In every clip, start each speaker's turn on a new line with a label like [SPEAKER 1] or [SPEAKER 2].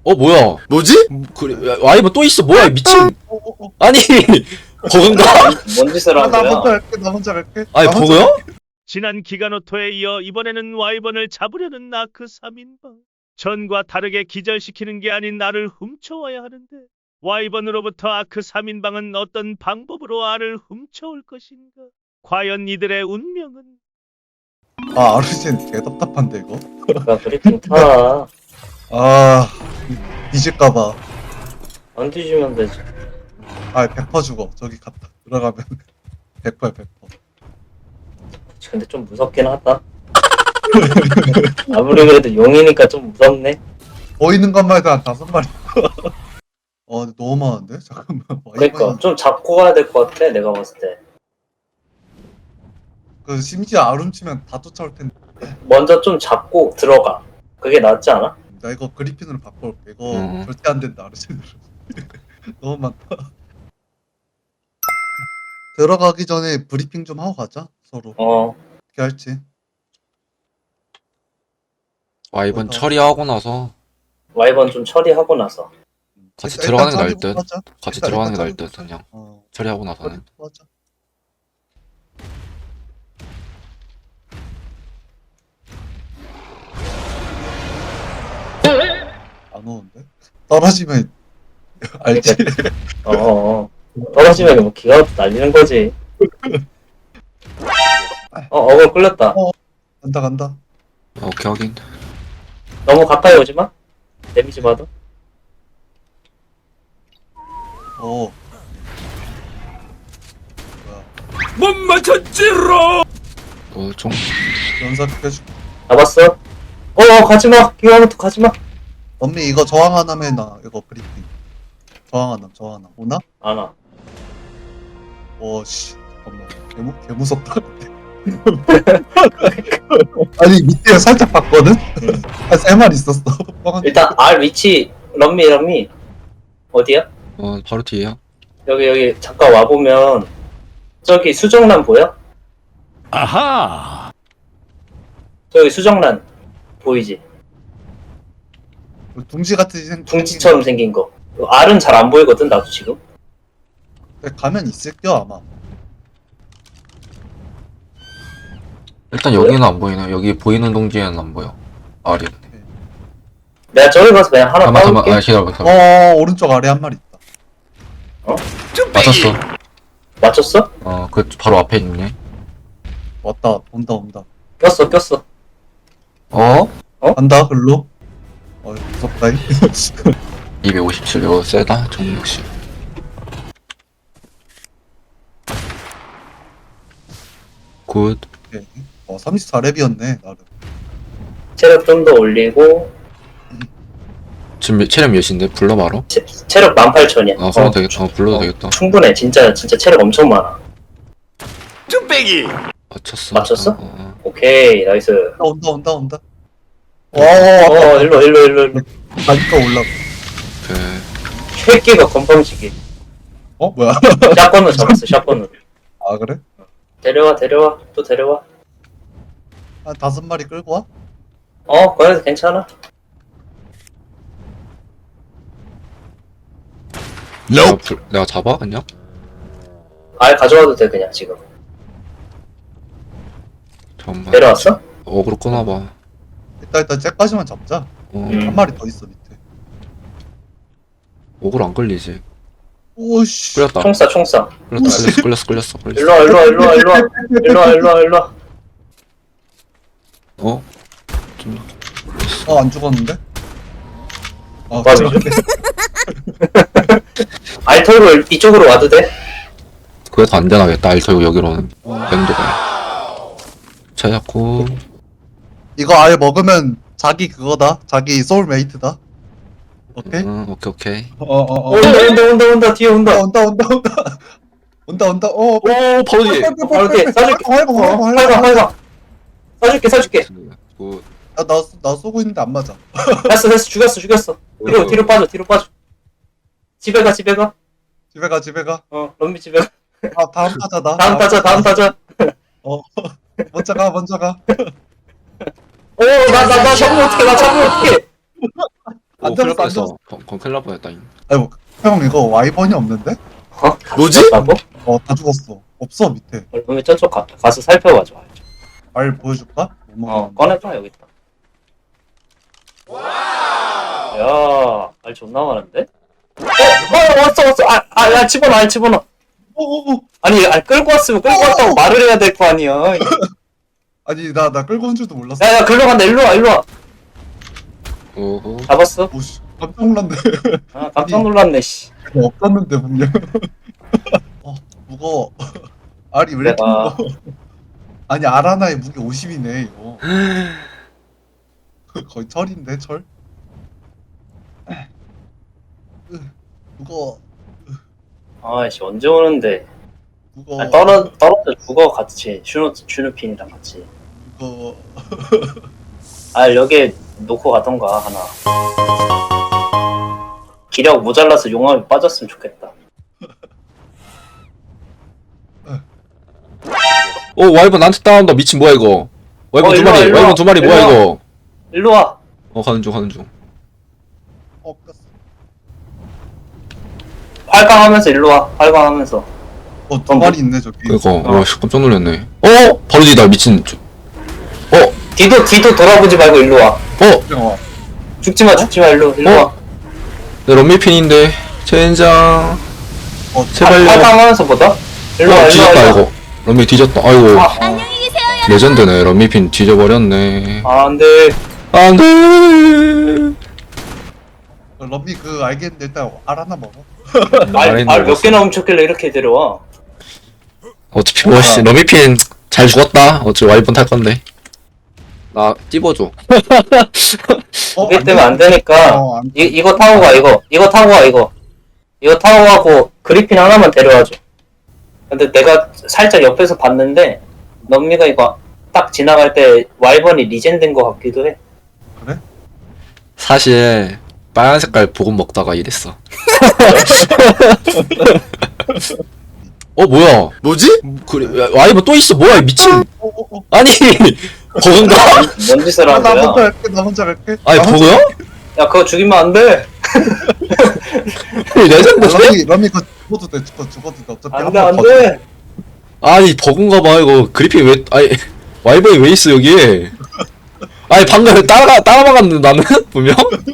[SPEAKER 1] 뭐야?
[SPEAKER 2] 뭐지?
[SPEAKER 1] 그래, 와이번 또 있어. 뭐야, 이 미친. 아니, 버그인가?
[SPEAKER 3] 뭔 짓을
[SPEAKER 2] 나
[SPEAKER 3] 한 거야?
[SPEAKER 2] 먼저 갈게. 나 먼저 갈게.
[SPEAKER 1] 아니,
[SPEAKER 2] 나 먼저
[SPEAKER 1] 버그야?
[SPEAKER 4] 지난 기가노토에 이어 이번에는 와이번을 잡으려는 나크 3인방. 전과 다르게 기절시키는 게 아닌 나를 훔쳐와야 하는데 와이번으로부터 아크 3인방은 어떤 방법으로 알을 훔쳐올 것인가? 과연 이들의 운명은?
[SPEAKER 2] 아, 아르신 개 답답한데 이거.
[SPEAKER 3] 야 브리핑 타.
[SPEAKER 2] 아, 뒤질까봐.
[SPEAKER 3] 안 뒤지면 되지.
[SPEAKER 2] 아, 100% 죽어. 저기 갔다 들어가면 100%야 100%.
[SPEAKER 3] 근데 좀 무섭긴 하다. 아무리 그래도 용이니까 좀 무섭네.
[SPEAKER 2] 보이는 것만 해도 한 5마리. 근데 너무 많은데? 잠깐만.
[SPEAKER 3] 그러니까 좀 잡고 가야 될 것 같아 내가 봤을 때.
[SPEAKER 2] 그 심지어 아름치면 다 쫓아올 텐데.
[SPEAKER 3] 먼저 좀 잡고 들어가. 그게 낫지 않아?
[SPEAKER 2] 나 이거 그리핀으로 바꿔올게. 이거
[SPEAKER 1] 음.
[SPEAKER 2] 절대 안 된다 아르신으로. 너무 많다. 들어가기 전에 브리핑 좀 하고 가자 서로. 어떻게 할지.
[SPEAKER 1] 와이번 처리하고 나서
[SPEAKER 3] 와이번 좀 처리하고 나서.
[SPEAKER 1] 같이
[SPEAKER 2] 일단
[SPEAKER 1] 들어가는 게 나을
[SPEAKER 2] 짜리부터
[SPEAKER 1] 듯.
[SPEAKER 2] 하자.
[SPEAKER 1] 같이
[SPEAKER 2] 일단
[SPEAKER 1] 들어가는 게 나을
[SPEAKER 2] 짜리부터
[SPEAKER 1] 듯,
[SPEAKER 2] 하자.
[SPEAKER 1] 그냥. 처리하고 나서는.
[SPEAKER 2] 짜리부터 하자. 안 오는데? 떨어지면 알지?
[SPEAKER 3] 떨어지면 뭐 기가 날리는 거지. 어글 끌렸다.
[SPEAKER 2] 간다 간다.
[SPEAKER 1] 오케이, 확인.
[SPEAKER 3] 너무 가까이 오지 마. 데미지 받아.
[SPEAKER 2] 뭐야?
[SPEAKER 1] 뭐, 좀.
[SPEAKER 2] 연사 해줄게.
[SPEAKER 3] 잡았어. 가지마. 기가부터 가지마.
[SPEAKER 2] 언니 이거 저항 하나면 해놔. 이거 브리핑. 저항 하나. 오나?
[SPEAKER 3] 안 와.
[SPEAKER 2] 씨. 잠깐만. 개 무섭다. 아니 밑에 살짝 봤거든? 한 3마리 있었어.
[SPEAKER 3] 일단 R 위치 럼미 어디야?
[SPEAKER 1] 바로 뒤에야.
[SPEAKER 3] 여기 잠깐 와보면 저기 수정란 보여?
[SPEAKER 4] 아하!
[SPEAKER 3] 저기 수정란 보이지?
[SPEAKER 2] 둥지 같은
[SPEAKER 3] 둥지처럼 생긴 거. R은 잘 안 보이거든 나도 지금.
[SPEAKER 2] 가면 있을겨 아마.
[SPEAKER 1] 일단 여기는 안 보이네. 여기 보이는 동지에는 안 보여. 아리.
[SPEAKER 3] 내가 저기 가서 그냥 하나
[SPEAKER 1] 잠깐만,
[SPEAKER 3] 따올게.
[SPEAKER 1] 기다려봐.
[SPEAKER 2] 오른쪽 아래 한 마리 있다.
[SPEAKER 1] 맞췄어.
[SPEAKER 3] 맞췄어?
[SPEAKER 1] 그 바로 앞에 있네.
[SPEAKER 2] 왔다. 온다.
[SPEAKER 3] 꼈어.
[SPEAKER 2] 간다 글로. 무섭다.
[SPEAKER 1] 257. 이거 세다. 정 역시. 굿.
[SPEAKER 2] 34렙이었네 나름.
[SPEAKER 3] 체력 좀 더 올리고
[SPEAKER 1] 지금 체력 몇인데? 불러 바로?
[SPEAKER 3] 체력 18,000이야.
[SPEAKER 1] 그러면 되겠다. 불러도 되겠다.
[SPEAKER 3] 충분해. 진짜 체력 엄청 많아.
[SPEAKER 1] 맞췄어.
[SPEAKER 3] 맞췄어? 오케이 나이스.
[SPEAKER 2] 온다.
[SPEAKER 3] 일로.
[SPEAKER 2] 가니까 올라.
[SPEAKER 1] 오케이.
[SPEAKER 3] 새끼가 건방지게.
[SPEAKER 2] 뭐야?
[SPEAKER 3] 샷건으로 잡았어. 샷건으로.
[SPEAKER 2] 아 그래?
[SPEAKER 3] 데려와. 또 데려와.
[SPEAKER 2] 한 5마리 끌고 와?
[SPEAKER 3] 그래도 괜찮아.
[SPEAKER 1] 내가 잡아? 그냥?
[SPEAKER 3] 알 가져와도 돼 그냥 지금.
[SPEAKER 1] 잠깐만.
[SPEAKER 3] 데려왔어?
[SPEAKER 1] 어그로 끊어봐.
[SPEAKER 2] 일단 쟤까지만 잡자. 한 마리 더 있어 밑에.
[SPEAKER 1] 어그로 안 끌리지.
[SPEAKER 2] 오씨.
[SPEAKER 1] 끌렸다.
[SPEAKER 3] 총싸.
[SPEAKER 1] 끌렸어.
[SPEAKER 3] 일로 와.
[SPEAKER 2] 안 죽었는데?
[SPEAKER 3] 맞아.
[SPEAKER 2] 죽었네.
[SPEAKER 3] 알 털고 이쪽으로 와도 돼?
[SPEAKER 1] 그래도 안 되나겠다. 알터고 여기로는. 맹도가. 찾았고.
[SPEAKER 2] 이거 알 먹으면 자기 그거다. 자기 소울메이트다. 오케이?
[SPEAKER 1] 오케이.
[SPEAKER 3] 온다. 뒤에 온다.
[SPEAKER 2] 온다.
[SPEAKER 1] 바로 뒤에.
[SPEAKER 3] 바로 뒤에 쏴줄게. 쏴줄게.
[SPEAKER 1] 굿.
[SPEAKER 2] 나 쏘고 있는데 안 맞아.
[SPEAKER 3] 됐어. 죽였어. 뒤로 빠져. 집에 가.
[SPEAKER 2] 집에 가.
[SPEAKER 3] 럼미 집에 가.
[SPEAKER 2] 다음 타자다.
[SPEAKER 3] 다음 타자.
[SPEAKER 2] 먼저 가.
[SPEAKER 3] 나 잡으면 어떡해.
[SPEAKER 2] 안
[SPEAKER 1] 오,
[SPEAKER 2] 잡았어,
[SPEAKER 1] 큰일
[SPEAKER 2] 안 잡았어.
[SPEAKER 1] 뻔했어. 큰일 날 뻔했다잉.
[SPEAKER 2] 아이고, 형 이거 와이번이 없는데?
[SPEAKER 3] 어? 다
[SPEAKER 1] 뭐지?
[SPEAKER 3] 죽었다고?
[SPEAKER 2] 다 죽었어. 없어 밑에.
[SPEAKER 3] 그러면 저쪽 가서 살펴봐줘.
[SPEAKER 2] 알 보여줄까?
[SPEAKER 3] 꺼내봐 여기 있다. 야, 알 존나 많은데? 왔어. 야, 집어넣어, 알 집어넣어.
[SPEAKER 2] 오.
[SPEAKER 3] 아니, 알 끌고 왔으면 끌고 왔다고 말을 해야 될 거 아니야.
[SPEAKER 2] 아니 나 끌고 온 줄도 몰랐어.
[SPEAKER 3] 야, 글로 간다, 일로 와.
[SPEAKER 1] 오호.
[SPEAKER 3] 잡았어?
[SPEAKER 2] 오씨 깜짝 놀랐네.
[SPEAKER 3] 아, 깜짝 놀랐네, 씨.
[SPEAKER 2] 없었는데 분명. 무거워. 알이 왜 이렇게
[SPEAKER 3] 내가-
[SPEAKER 2] 무거워? 아니 알 하나에 무게 50이네 이거. 거의 철인데 철. 무거워.
[SPEAKER 3] 아이씨, 언제 오는데?
[SPEAKER 2] 무거워.
[SPEAKER 3] 아, 떨어져 죽어, 같이. 슈누핀이랑 같이.
[SPEAKER 2] 무거워.
[SPEAKER 3] 아, 여기에 놓고 가던가, 하나. 기력 모자라서 용암에 빠졌으면 좋겠다.
[SPEAKER 1] 오, 와이번 나한테 따라온다. 미친 뭐야 이거. 와이번 두
[SPEAKER 3] 일로 와,
[SPEAKER 1] 마리.
[SPEAKER 3] 일로 와.
[SPEAKER 1] 와이번 두 마리 뭐야
[SPEAKER 3] 일로 와.
[SPEAKER 1] 이거.
[SPEAKER 3] 일로 와.
[SPEAKER 1] 가는 중.
[SPEAKER 2] 껐어.
[SPEAKER 3] 활강하면서 일로 와. 활강하면서.
[SPEAKER 2] 두 마리 있네 저기.
[SPEAKER 1] 이거 와 씨, 깜짝 놀랐네. 바로 뒤다 미친.
[SPEAKER 3] 뒤도 돌아보지 말고 일로 와.
[SPEAKER 2] 그냥 와.
[SPEAKER 3] 죽지 마, 일로 와.
[SPEAKER 1] 내 런미핀인데 젠장. 제발요.
[SPEAKER 3] 활강하면서 보다. 일로 와,
[SPEAKER 1] 뒤졌다 이거. 런미 뒤졌다. 아이고.
[SPEAKER 5] 안녕히 계세요, 여러분.
[SPEAKER 1] 레전드네. 런미핀 뒤져버렸네.
[SPEAKER 3] 안 돼.
[SPEAKER 1] 안돼.
[SPEAKER 2] 럼비 알겠는데 일단 알 하나 먹어.
[SPEAKER 3] 알 몇 개나 훔쳤길래 이렇게 데려와.
[SPEAKER 1] 어차피 뭐씨 런미핀 잘 죽었다. 어차피 와이번 탈 건데. 나 찝어줘.
[SPEAKER 3] 그게 때문에 안 되니까.
[SPEAKER 2] 안
[SPEAKER 3] 이거 타고 가, 이거. 이거 타고 가고, 그리핀 하나만 데려와줘. 근데 내가 살짝 옆에서 봤는데, 넘미가 이거 딱 지나갈 때 와이번이 리젠된 것 같기도 해.
[SPEAKER 1] 사실 빨간 색깔 보금 먹다가 이랬어. 뭐야? 뭐지? 그래 와이번 또 있어. 뭐야 이 미친. 아니 버그인가?
[SPEAKER 3] 뭔 짓을 한
[SPEAKER 2] 나
[SPEAKER 3] 거야?
[SPEAKER 2] 혼자 갈게. 나 혼자 갈게.
[SPEAKER 1] 아니
[SPEAKER 2] 나 혼자
[SPEAKER 1] 버그야?
[SPEAKER 3] 야, 그거 죽이면 안 돼.
[SPEAKER 1] 레전드인데?
[SPEAKER 2] 럼비 그거 죽어도 돼. 죽어도 돼. 어차피
[SPEAKER 3] 안
[SPEAKER 2] 한
[SPEAKER 3] 돼,
[SPEAKER 2] 번
[SPEAKER 3] 안
[SPEAKER 2] 더
[SPEAKER 3] 돼.
[SPEAKER 1] 아니 버그인가 봐 이거. 그리핀 왜 아니 와이번이 왜 있어 여기에? 아니 방금 따라막았는데 나는 분명.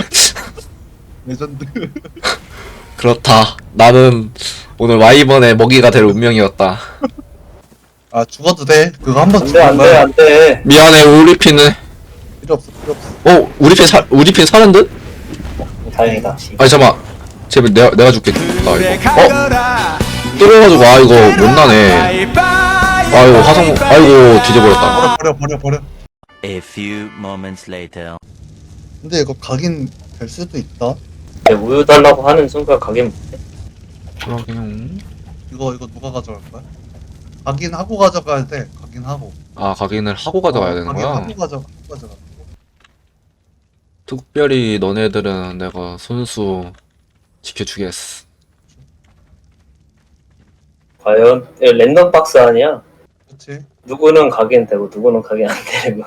[SPEAKER 2] 레전드.
[SPEAKER 1] 그렇다. 나는 오늘 와이번의 먹이가 될 운명이었다.
[SPEAKER 2] 아 죽어도 돼. 그거 한 번
[SPEAKER 3] 안 돼,
[SPEAKER 2] 죽으면
[SPEAKER 3] 안 돼, 안 돼.
[SPEAKER 1] 미안해 우리 핀은.
[SPEAKER 2] 필요 없어.
[SPEAKER 1] 우리 핀 사는 듯?
[SPEAKER 3] 다행이다.
[SPEAKER 1] 아니 잠깐. 제발 내가 줄게. 나 이거. 때려가지고 이거 못 나네. 아이고 화성 아이고 뒤져버렸다.
[SPEAKER 2] 버려.
[SPEAKER 6] A few moments later.
[SPEAKER 2] 근데 이거 각인 될 수도 있다.
[SPEAKER 3] 우유 달라고 하는 순간 가게 못해.
[SPEAKER 1] 그러게요.
[SPEAKER 2] 이거 누가 가져갈 거야? 각인하고 가져가야 돼. 각인하고.
[SPEAKER 1] 각인을 하고 가져가야 되는 거야?
[SPEAKER 2] 각인하고 가져가.
[SPEAKER 1] 특별히 너네들은 내가 손수 지켜주겠어.
[SPEAKER 3] 과연 랜덤 박스 아니야?
[SPEAKER 2] 그렇지.
[SPEAKER 3] 누구는 각인 되고 누구는 각인 안 되고.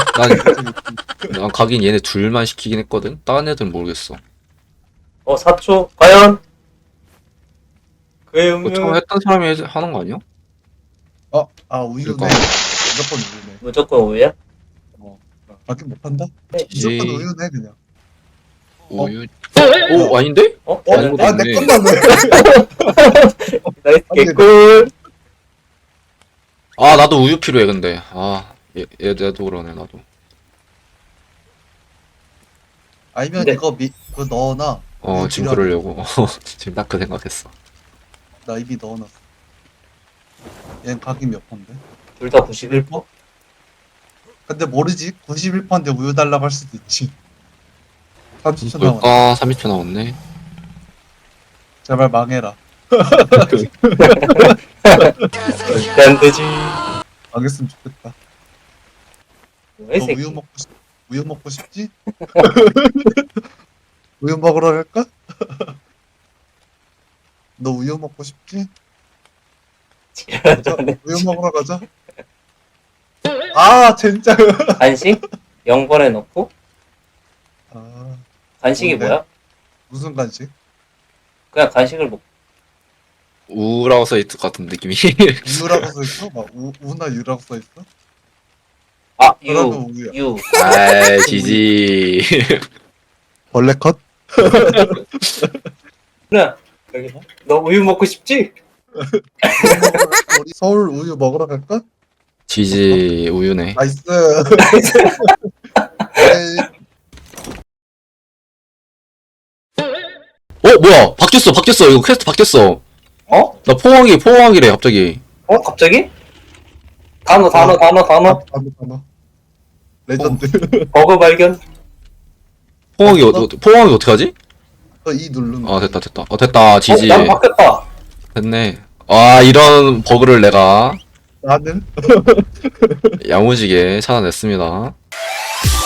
[SPEAKER 1] 난 각인 얘네 둘만 시키긴 했거든? 다른 애들은 모르겠어.
[SPEAKER 3] 4초 과연? 그의
[SPEAKER 1] 그거 처음
[SPEAKER 3] 운명
[SPEAKER 1] 했던 사람이 하는 거 아니야?
[SPEAKER 2] 우유네.
[SPEAKER 1] 그러니까.
[SPEAKER 2] 무조건 우유네.
[SPEAKER 3] 무조건 우유야?
[SPEAKER 2] 각인 못한다?
[SPEAKER 3] 네.
[SPEAKER 2] 무조건
[SPEAKER 1] 에이.
[SPEAKER 2] 우유네 그냥.
[SPEAKER 1] 우유. 아닌데? 아닌 것도
[SPEAKER 2] 내
[SPEAKER 1] 있네.
[SPEAKER 2] 것만 왜?
[SPEAKER 3] 나이스
[SPEAKER 2] 아니,
[SPEAKER 3] 개꿀.
[SPEAKER 1] 나도 우유 필요해 근데. 얘도 그러네 나도.
[SPEAKER 2] 아니면
[SPEAKER 3] 네.
[SPEAKER 2] 이거 그거 넣어놔. 우유
[SPEAKER 1] 지금
[SPEAKER 2] 필요하다.
[SPEAKER 1] 그러려고. 지금 딱 그 생각했어.
[SPEAKER 2] 나 이미 넣어놨어. 얘는 각인 몇 번데?
[SPEAKER 3] 둘 다 91%?
[SPEAKER 2] 근데 모르지. 91%인데 우유 달라고 할 수도 있지. 30초 남았.
[SPEAKER 1] 뭘까? 30초 남았네.
[SPEAKER 2] 제발 망해라.
[SPEAKER 3] 절대 안 되지.
[SPEAKER 2] 망했으면 좋겠다.
[SPEAKER 3] 왜
[SPEAKER 2] 너
[SPEAKER 3] 새끼?
[SPEAKER 2] 우유 먹고 싶지? 우유 먹으러 갈까? 너 우유 먹고 싶지? 가자. 우유 먹으러 가자. 진짜.
[SPEAKER 3] 간식? 0번에 넣고? 간식이
[SPEAKER 2] 뭔데?
[SPEAKER 3] 뭐야?
[SPEAKER 2] 무슨 간식?
[SPEAKER 3] 그냥 간식을 먹.
[SPEAKER 1] 우라고 써있을 것 같은 느낌이.
[SPEAKER 2] 우유라고 써있어? 막 우나 유라고 써있어?
[SPEAKER 3] 아,
[SPEAKER 2] 그러면 우유야.
[SPEAKER 3] 유.
[SPEAKER 1] 아이, 지지.
[SPEAKER 2] 벌레 컷?
[SPEAKER 3] 그래. 여기 봐. 너 우유 먹고 싶지?
[SPEAKER 2] 우리 서울 우유 먹으러 갈까?
[SPEAKER 1] 지지, 우유네.
[SPEAKER 2] 나이스. 에이,
[SPEAKER 1] 뭐야? 바뀌었어. 이거 퀘스트 바뀌었어.
[SPEAKER 3] 어?
[SPEAKER 1] 나 포항이래, 갑자기.
[SPEAKER 3] 어? 갑자기? 단어.
[SPEAKER 2] 단어. 레전드.
[SPEAKER 3] 버그 발견.
[SPEAKER 1] 포항이 어떻게 하지?
[SPEAKER 2] 이 누르면.
[SPEAKER 1] 아, 됐다. 됐다, 지지.
[SPEAKER 3] 난 바뀌었다.
[SPEAKER 1] 됐네. 아, 이런 버그를 내가
[SPEAKER 2] 나는
[SPEAKER 1] 야무지게 찾아냈습니다.